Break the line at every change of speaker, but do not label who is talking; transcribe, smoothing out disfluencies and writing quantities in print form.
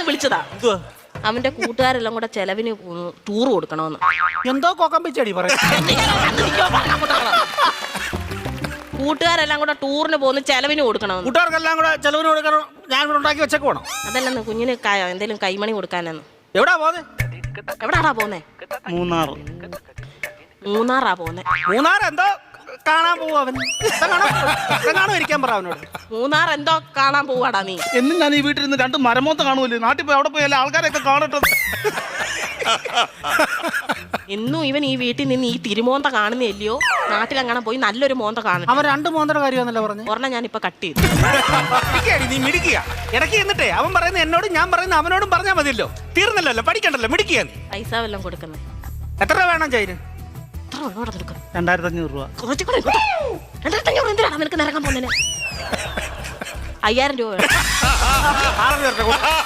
വിളിച്ചതാ. അവന്റെ കൂട്ടുകാരെല്ലാം കൂടെ ചെലവിന് ടൂർ കൊടുക്കണമെന്ന്.
എന്തോ കൊക്കം പിച്ചടി പറയാം.
കൂട്ടുകാരെല്ലാം കൂടെ ടൂറിന് പോകുന്ന ചെലവിന് കൊടുക്കണമെന്ന്.
കൂട്ടുകാർക്കെല്ലാം കൂടെ ചെലവിന് കൊടുക്കണം. ഞാൻ ഇവിടെ ഉണ്ടാക്കി വെച്ചേക്ക് വേണം.
അതല്ലെന്ന് കുഞ്ഞിന് എന്തേലും കൈമണി കൊടുക്കാനെന്ന്.
എവിടാ പോന്നെ?
എവിടാടാ പോന്നെ? മൂന്നാറാ പോന്നെ.
മൂന്നാർ എന്തോ കാണാൻ പോവാ അവൻ. കാണാൻ ഇരിക്കാൻ പറ അവനോട്.
മൂന്നാർ എന്തോ കാണാൻ പോവാടാ നീ.
എന്നും ഞാൻ ഈ വീട്ടിൽ നിന്ന് 2 മരമോത്ത കാണുമല്ലേ. നാട്ടിൽ പോയി അവിടെ പോയി എല്ലാ ആൾക്കാരെയൊക്കെ കാണട്ടെ.
എന്നും ഇവൻ ഈ വീട്ടിൽ നിന്ന് ഈ തിരുമോന്ത കാണുന്നില്ലയോ. നാട്ടിലങ്ങനെ പോയി നല്ലൊരു മോന്ത കാണും.
അവൻ 2 മോന്തയുടെ കാര്യമാണല്ലോ പറഞ്ഞു.
ഒരെണ്ണം ഞാനിപ്പോ കട്ട് ചെയ്തു.
നീ മിടിക്കുക. ഇടയ്ക്ക് എന്നിട്ടേ അവൻ പറയുന്നത് എന്നോടും ഞാൻ പറയുന്നത് അവനോടും പറഞ്ഞാൽ മതിയല്ലോ. തീർന്നല്ലോ, പഠിക്കണ്ടല്ലോ, മിടിക്കുക.
പൈസ വല്ലതും കൊടുക്കുന്നത്.
എത്ര രൂപ വേണം ചൈന്?
2500 രൂപ.
2500 എന്തിനാണ് നിനക്ക് നിറങ്ങാൻ പോകുന്നതിന്? 5000 രൂപ വേണം.